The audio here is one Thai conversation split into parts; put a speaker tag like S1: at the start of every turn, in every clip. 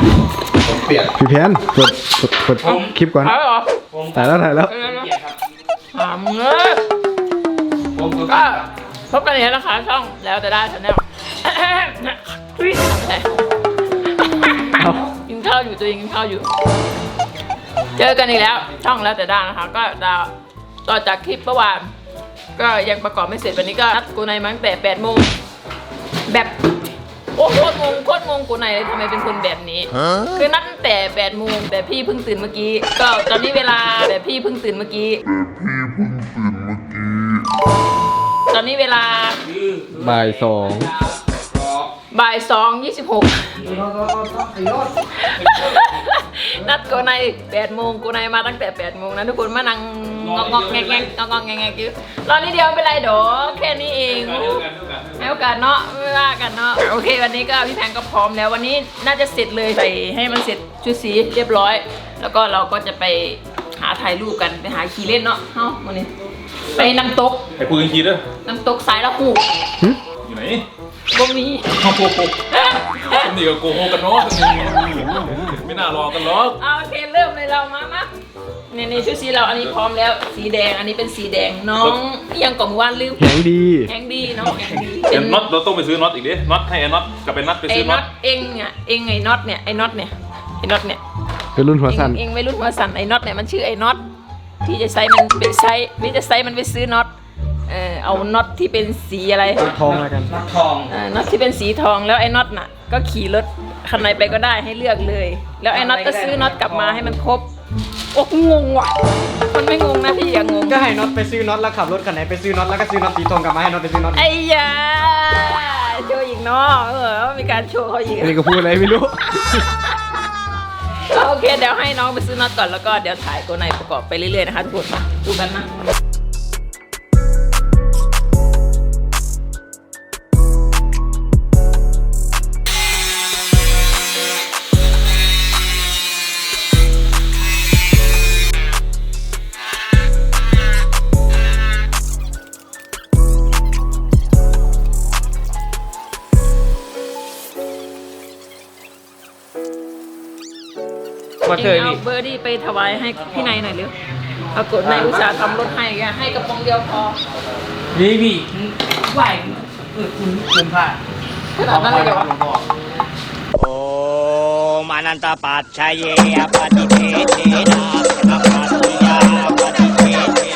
S1: ผมเปลี่ยน
S2: พี่แพนกดคลิปก่อน
S3: ถ่ายเหรอ
S2: ถ่ายแล้ว
S3: ถามเงยก็พบกันอีกแล้วนะคะช่องแล้วแต่ได้ชาแนลกินข้าวอยู่ตัวเองกินข้าวอยู่ เจอกันอีกแล้วช่องแล้วแต่ได้นะคะก็ต่อจากคลิปเมื่อวานก็ยังประกอบไม่เสร็จวันนี้ก็นัดกูในมาตั้งแต่8 โมงแบบโอ้โคตรงงกูในเลยทำไมเป็นคนแบบนี้คือนัดตั้งแต่8 โมงแต่พี่เพิ่งตื่นเมื่อกี้ก็ตอนนี้เวลาแต่พี่เพิ่งตื่นเมื่อกี้ตอนนี้เวลา
S2: บ่าย
S3: 2:26นัดกูใน8 โมงกูในมาตั้งแต่8 โมงนะทุกคนมานั่งงอกแงกอยู่รอนิดเดียวไม่เป็นไรดอกแค่นี้เองให้โอกาสเนาะไม่ว่ากันเนาะโอเควันนี้ก็พี่แพงก็พร้อมแล้ววันนี้น่าจะเสร็จเลยใส่ให้มันเสร็จชุดสีเรียบร้อยแล้วก็เราก็จะไปหาถ่ายรูปกันไปหาขี่เล่นเนาะเฮ้าวันนี้ไปน้ำตก
S1: ไอ้ปืนขี่ด้วย
S3: น้ำตกสายละหู
S1: อยู่ไหน
S3: บ่มี
S1: โอ้โหคนนี้ก็โกหกกันเนาะไม่น่ารอกันหรอก
S3: เอาโอเคเริ่มเลยเรามานี่ชุดสีเราอันนี้พร้อมแล้วสีแดงอันนี้เป็นสีแดงน้องยังก่อนวานลืม
S2: ๆแข็งดี
S3: แข็งดีน้องแข็งดี
S1: เอ็นน็อตเราต้องไปซื้อน็อตอีกดิน็อตให้ไอ้น็อตกับเป็นน็อตไป
S3: ไอ้
S1: ซื้อ
S3: น็
S1: น็
S3: อ
S1: อต
S3: ตเองอ่ะเองไอ้น็อตเนี่ยไอ้น็อตเนี่ยไอ้น็อตเนี่ย
S2: เป็นรุ่นหัวสั้น
S3: เองไม่รุ่นหัวสั่นไอ้น็อตเนี่ยมันชื่อไอ้น็อตพี่จะใช้มันไปใช้พี่จะใช้มันไปซื้อน็อตเอาน็อตที่เป็นสีอะไร
S2: ทองแล้วกัน
S3: น็อตที่เป็นสีทองแล้วไอ้น็อตน่ะก็ขี่รถคันไหนไปก็ได้ให้เลือกเลย แล้วไอ้น็อตก็ซื้อน็อตกลับมาให้มันครบโอ้งงว่ะมันไม่งงนะพี่อย่างงง
S4: ก็ให้น็อตไปซื้อน็อตแล้วขับรถคันไหนไปซื้อน็อตแล้วก็ซื้อน็อตสีทองกลับมาให้น็อตไปซื้อน็อต
S3: ไอ้ยาโชว์อีกเนาะมีการโชว์เขาอีก
S2: อันนี้ก็พูดอะไรไม่รู้
S3: โอเคเดี๋ยวให้น้องไปซื้อน็อตก่อนแล้วก็เดี๋ยวถ่ายตัวในประกอบไปเรื่อยๆนะคะทุกคนมาดูกันนะเองเอาเบอร์ดี้ไปถวายให้พี่นายหน่อยเร็วปรากฏนายอุตส่าห์ทำรถให้กระป๋องเดียวพอ
S4: นี่พี่ไหวคุณพลาด
S3: ขนาดนั้นเลยเหรอวะ
S5: โอมานันตปัจชัยอปฏิเทเทนะอปัสสยาปฏิเทเท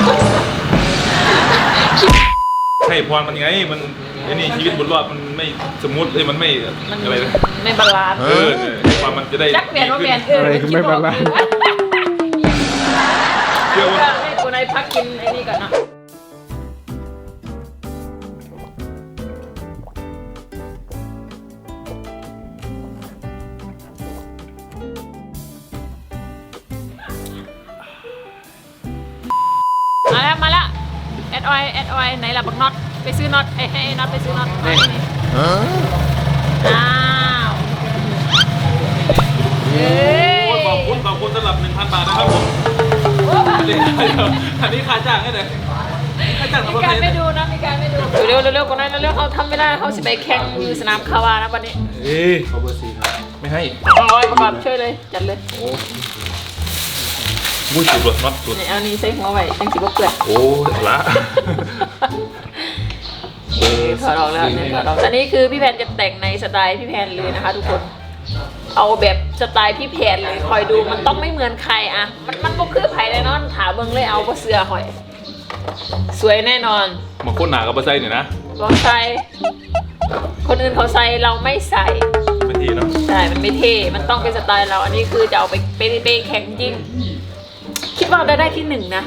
S1: ให้พรมันไงมันไอ้นี่ชีวิตบนรอดมันไม่สมูทเลยมันไม่อะไรเลย
S3: ไม่บาลานซ์
S1: ให้พรมันจะได้
S3: จักเปลี่ยนว่าเปลี่ยน
S2: อะไรคือไม่บาลานซ์
S1: เชื่อว่า
S3: ให้กูนายพักกินไอ้นี่ก่อนเนาะมาแล้วแอดออยไหนล่ะบักน็อตไปซื้อน็อตให้ไอ้น็อตไปซื้อน็อตอ้าวเฮ้ย
S1: ขอบคุณสำหรับ 1,000 บาทนะครับผมอันนี้ค่าจ้างให้เลยค่าจ้าง
S3: มีการไม่ดูนะมีการไม่ดูเร็วๆคนนั้นเร็วๆเขาทำไม่ได้เขาสิไปแข่งอยู่สนามคาวานะวันนี้
S1: เขาเบอร์4ครับไม่ให้
S3: ร้อยประกอบช่วยเลยจัดเลย
S1: มุ้ยสุดน็อตสุด
S3: นี่เอานี่ใส่หัวไว้จังสิบ่เปื่อย
S1: โอ้ละ
S3: ถอดออกแล้วเนี่ยถอดออกอันนี้คือพี่แพนจะแต่งในสไตล์พี่แพนเลยนะคะทุกคนเอาแบบสไตล์พี่แพนเลยคอยดูมันต้องไม่เหมือนใครอะมันก็คือไผ่แน่นอนถาเบิ่งเลยเอาเพราะเสื้อหอยสวยแน่นอน
S1: มาโคตรหนากับเบอร์ไซเนี่ยนะ
S3: ลองใส่คนอื่นเขาใส่เราไม่ใส่
S1: ไม่ทีเนาะ
S3: ใช่มันไม่เท่มันต้องเป็นสไตล์เราอันนี้คือจะเอาไปแข่งจริงคิดว่าได้ที่ 1นะ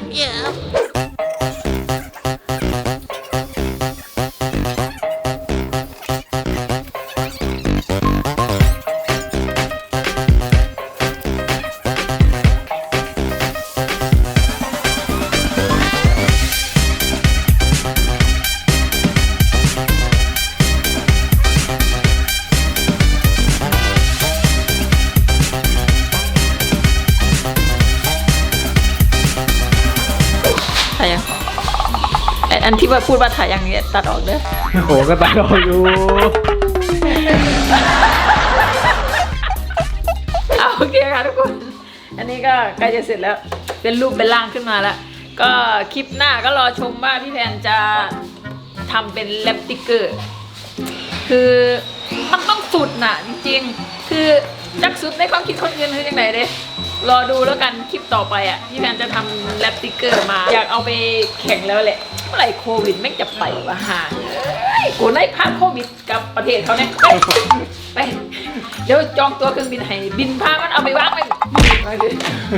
S3: ถ่ายยังอันที่ว่าพูดว่าถ่ายอย่างนี้ตัดออกเด้อ
S2: โอ้ก็ตัดออกอยู่
S3: โอเคค่ะทุกคน อันนี้ก็ใกล้จะเสร็จแล้ว เป็นรูปเป็นร่างขึ้นมาแล้ว ก็คลิปหน้าก็รอชมว่าพี่แพนจะทำเป็นแรปติ๊กเกอร์ คือมันต้องสุดน่ะจริงๆ คือจักสุดในความคิดคนอื่นคือยังไงเด้รอดูแล้วกันคลิปต่อไปอ่ะพี่แพนจะทำแรปติ๊กเกอร์มา อยากเอาไปแข่งแล้วแหละ เมื่อไหร่โควิดแม่งจะไปวะห่ากูได้พาโควิดกับประเทศเขาเนี่ยไปเดี๋ยวจองตัวเครื่องบินให้บินพามันเอาไปวางไปไปเลย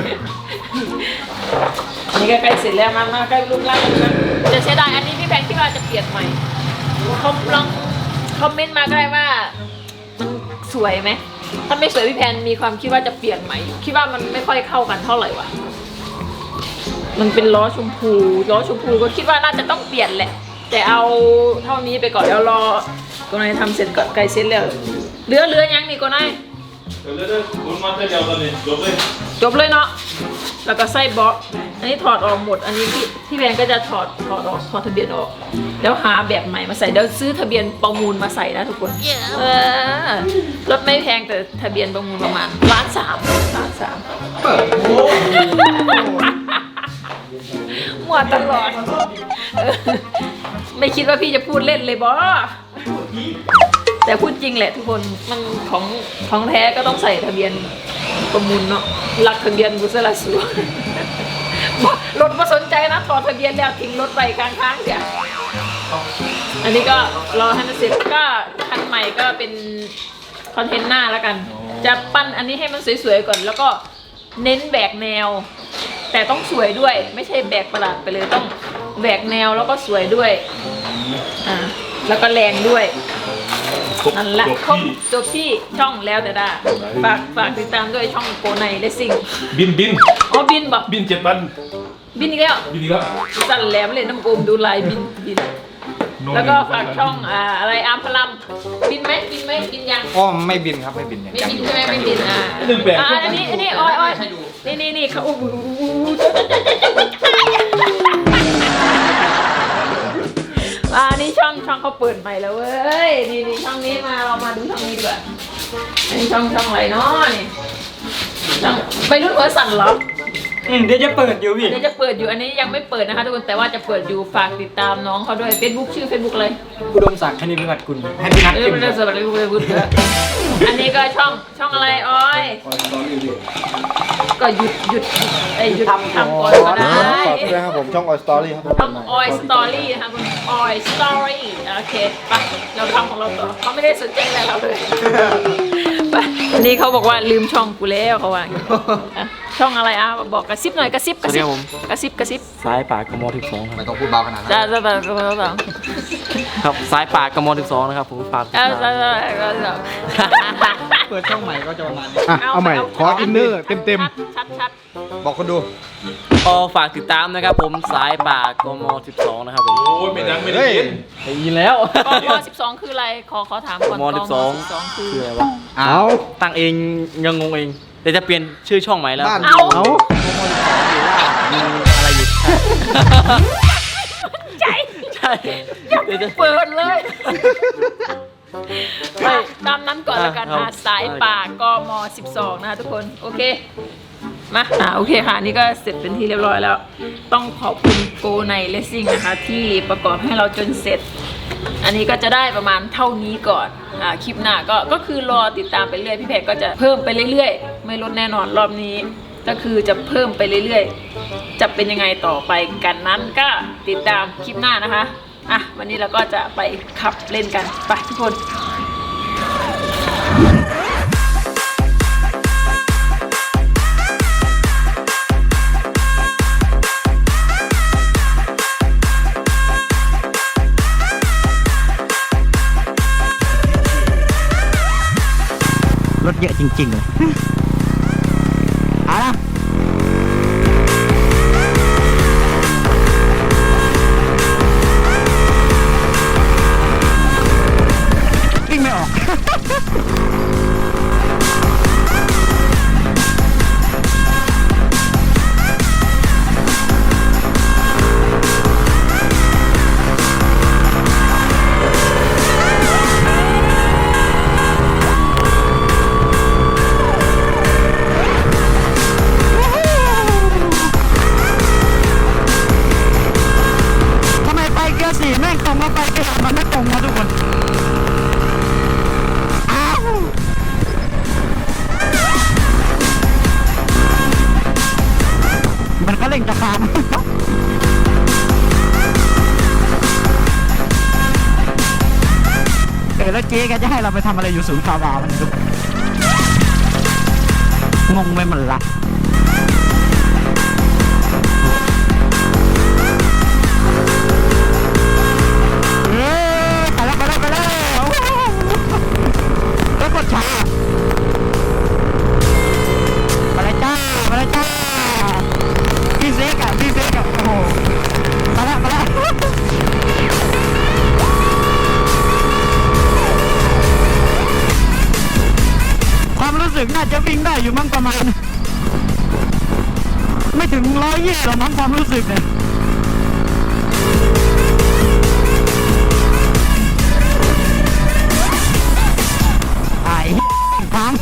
S3: อันนี้ก็ใกล้เสร็จแล้วมาใกล้รูปร่างแล้วจะเสียดายอันนี้พี่แพนคิดว่าจะเปลี่ยนใหม่เขาลองคอมเมนต์มาก็ได้ว่ามันสวยไหมถ้าไม่สวยพี่แพนมีความคิดว่าจะเปลี่ยนไหมคิดว่ามันไม่ค่อยเข้ากันเท่าไหร่วะมันเป็นล้อชมพูก็คิดว่าน่าจะต้องเปลี่ยนแหละแต่เอาเท่านี้ไปก่อนแล้วรอโกนายทำเสร็จก่อนไกลเสร็จแล้วเหลือยังนี่โกนาย
S1: เดี๋ยวคุณมาเดียวกันเลยจบเลย
S3: จบเลยเนาะแล้วก็ใส่บล็อกอันนี้ถอดออกหมดอันนี้พี่แพนก็จะถอดออกถอดทะเบียนออกแล้วหาแบบใหม่มาใส่เดี๋ยวซื้อทะเบียนประมูลมาใส่นะทุกคนรถไม่แพงแต่ทะเบียนประมูลประมาณ1.3 ล้านมั่วตลอดไม่คิดว่าพี่จะพูดเล่นเลยบอแต่พูดจริงแหละทุกคนมันของแท้ก็ต้องใส่ทะเบียนประมูลเนาะหลักทะเบียนบุษราสูรถมาสนใจนะถอดทะเบียนแล้วทิ้งรถไปกลางทางเสียอันนี้ก็รอให้มันเสร็จก็คันใหม่ก็เป็นคอนเทนต์หน้าแล้วกันจะปั้นอันนี้ให้มันสวยๆก่อนแล้วก็เน้นแบกแนวแต่ต้องสวยด้วยไม่ใช่แบกประหลาดไปเลยต้องแบกแนวแล้วก็สวยด้วยแล้วก็แรงด้วยนั่นแหละครบจบที่ช่องแล้วแต่ได้ฝากติดตามด้วยช่องโกไนเลสซิ่ง
S1: บิน
S3: อ๋อบินบอก
S1: บิน7 วัน
S3: บินอีกแล้วสั่นแหลมเลยน้ำโอมดูลายบินแล้วก็ฝากช่องอะไรอาร์มพลัมบินไหมบินยัง
S2: อ๋อไม่บินครับไม่บิน
S3: ไม่บินใช่ไหมไม่บินอันนี้ออยนี่เขานี่ช่องเขาเปิดใหม่แล้วเว้ยนี่ช่องนี้เรามาดูช่องนี้ดีกว่าอันนี้ช่องอะไรเนาะนี่ช่องไปรุ่นหัวสั่นเหรอ
S4: เดี๋ยวจะเปิดอยู่พี่
S3: เดี๋ยวจะเปิดอยู่อันนี้ยังไม่เปิดนะคะทุกคนแต่ว่าจะเปิดอยู่ฝากติดตามน้องเขาด้วย Facebook ชื่อ Facebook เลย
S4: อุดมศักดิ์คณิตวิวัฒน์กุลให้พี่นัทเข้ม
S3: ไม่ได้สวัสดีคุณไปบุตรอันนี้ก็ช่องอะไรออยก็หยุดทำก่อนก็ได้
S2: ฝากด้วยครับผมช่องออยสตอรี่ครับ
S3: ช่องออยสตอรี่นะคะคุณออยสตอรี่โอเคไปเราทำของเราต่อเขาไม่ได้สนใจอะไรเราเลยไปอันนี้เขาบอกว่าลืมช่องกูแล้วเขาว่าช่องอะไรบอกกระซิบหน่อยกระซิบ
S2: สายป่ากม12ไม่ต้องพูดเบาขนาดนั้นครับสายป่ากม12นะครับผมฝากเปิดช่องใหม่ก็จะประมาณนี้เอาใหม่ขออินเนอร์เต็ม
S3: ชัด
S2: บอกคนดูฝากติดตามนะครับผมสายป่ากม12นะครับผม
S1: โอ้ยไม่ดังไม่ได้ยิน
S2: ได้ยินแล้ว
S3: กม12คืออะไรขอถามก่อน
S2: กม12คืออะไรวะเอาตั้งเองยังงงเองเดี๋ยวจะเปลี่ยนชื่อช่องใหม่แล้ว
S3: เอา
S2: มีอะไรอยู่
S3: ใช่เดี๋ยวจะเปิดเลยตามนั้นก่อนแล้วกันสายป่ากม12นะคะทุกคนโอเคมาโอเคค่ะนี่ก็เสร็จเป็นที่เรียบร้อยแล้วต้องขอบคุณโกไนเลสซิ่งนะคะที่ประกอบให้เราจนเสร็จอันนี้ก็จะได้ประมาณเท่านี้ก่อนคลิปหน้าก็คือรอติดตามไปเรื่อยพี่แพรก็จะเพิ่มไปเรื่อยๆไม่ลดแน่นอนรอบนี้ก็คือจะเพิ่มไปเรื่อยๆจะเป็นยังไงต่อไปกันนั้นก็ติดตามคลิปหน้านะคะวันนี้เราก็จะไปขับเล่นกันไปทุกคน
S5: รถเยอะจริงๆเลยวิ่งไม่ออก
S6: แล้วเจ๊แกจะให้เราไปทำอะไรอยู่ศูนย์คาวามันดูงงไปหมดละไปแล้วแล้วกดช้าไปเลยจ้าพี่เซ็กอะโอ้โหไปแล้วความรู้สึกน่าจะวิ่งได้อยู่มั้งประมาณไม่ถึง120หรอกมั้งความรู้สึกเนี่ยไอ้พัง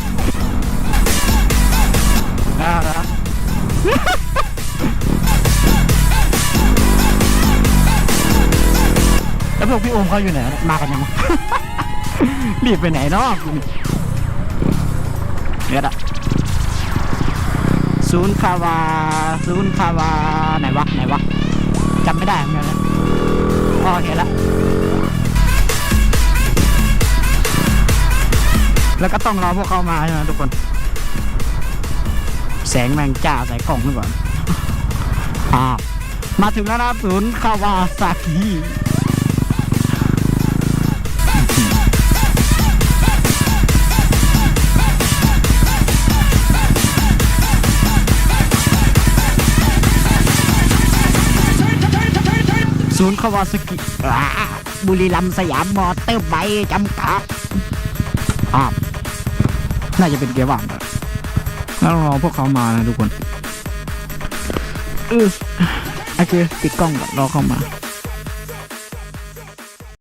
S6: แล้วพวกพี่โอมเขาอยู่ไหนมากันยังมั้ง รีบไปไหนเนาะเนี่ยอะศูนย์คาวาไหนวะจำไม่ได้เหมือนกันนะอ๋อเห็นแล้วแล้วก็ต้องรอพวกเขามาใช่ไหมทุกคนแสงแมงจ้าใส่กล่องด้วยก่อนมาถึงแล้วนะศูนย์คาวาซากิศูนย์คาวาซากิบุรีรัมย์สยามมอเตอร์ไบค์จำกัดน่าจะเป็นเกียร์ว่างแล้วรอพวกเขามานะทุกคนโอเคปิดกล้องก่อนรอเข้ามา